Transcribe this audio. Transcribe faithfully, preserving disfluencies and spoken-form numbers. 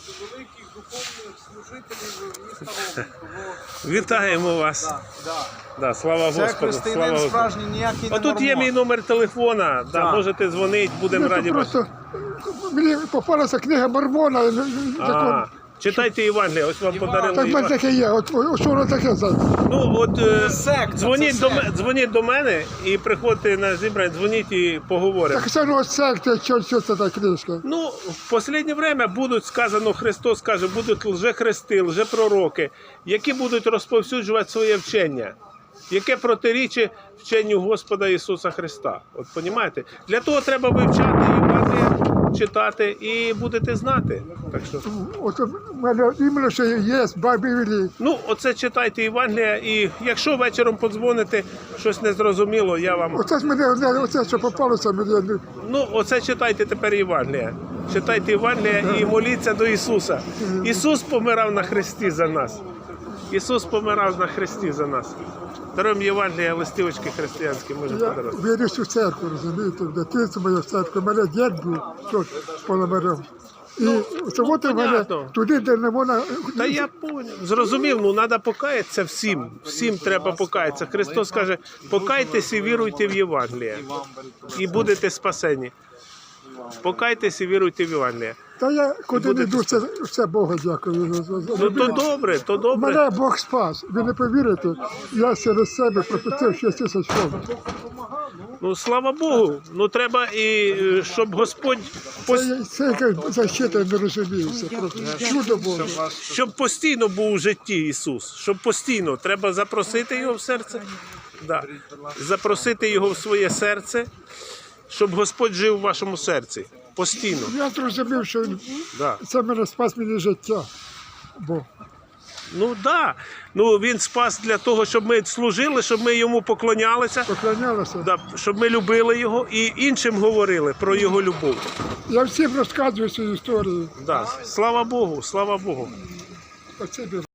великих духовних служителів міста Ромни. Вітаємо вас. Да, да. Да, слава Це Господу. Слава християнин Господу. справжній, ніякий не Отут є мій номер телефона, да, Так. можете дзвонити, будемо Ну, раді це бачити. просто мені попалася книга Мормона. і- і- А, закон. читайте Євангелія, ось вам подарили Так в мене Євангелія. таке є. От, от що воно таке за? Ну, от е, секта, дзвоніть, це до, секта. м- дзвоніть до мене і приходьте на зібрання, дзвоніть і поговоримо. Так це ну секта, що, що це та книжка? Ну, в останнє время будуть, сказано, Христос каже, будуть лжехристи, лжепророки, які будуть розповсюджувати своє вчення, яке протирічить вченню Господа Ісуса Христа. От, понімаєте? Для того треба вивчати Євангелія, читати і будете знати. Так що, От в мене іменно що є в Біблії. ну, оце читайте Євангелія, і якщо вечором подзвоните, щось незрозуміло, я вам... Оце ж мене одне, оце, що попалося, мені не- Ну, оце читайте тепер Євангелія. Читайте Євангелія і моліться до Ісуса. Ісус помирав на хресті за нас. Ісус помирав на хресті за нас. Даруємо Євангелія, листівочки християнські, можемо я подарувати. вірю в церкву, розумієте, в дитинстві моє в церкві. Мене дід був тут Пономарем. І це от у мене понятно. туди, де не можна... Та я поняв. Зрозумів, ну треба покаятися всім. Всім треба покаятися. Христос каже, покайтеся і віруйте в Євангелія. І будете спасені. Покайтеся і віруйте в Євангелія. Та я куди не будете йду, це все Богу дякую. за- за- за- Ну то добре, то добре. Мене Бог спас. Ви не повірите, я через себе пропустив шість тисяч фунтів. Ну слава Богу. Ну треба і е, щоб Господь пос- Це, це яка защита, я не розумію. Це просто чудо Боже. щоб постійно був у житті Ісус, щоб постійно треба запросити його в серце, да. запросити його в своє серце, щоб Господь жив у вашому серці. Постійно. Я зрозумів, що він- Да. це мене спас мені життя. Бог. Ну так. Да. Ну він спас для того, щоб ми служили, щоб ми йому поклонялися, Поклонялася. да, щоб ми любили його і іншим говорили про його любов. Я всім розказую цю історію. Да. Слава Богу, слава Богу. Спасибі.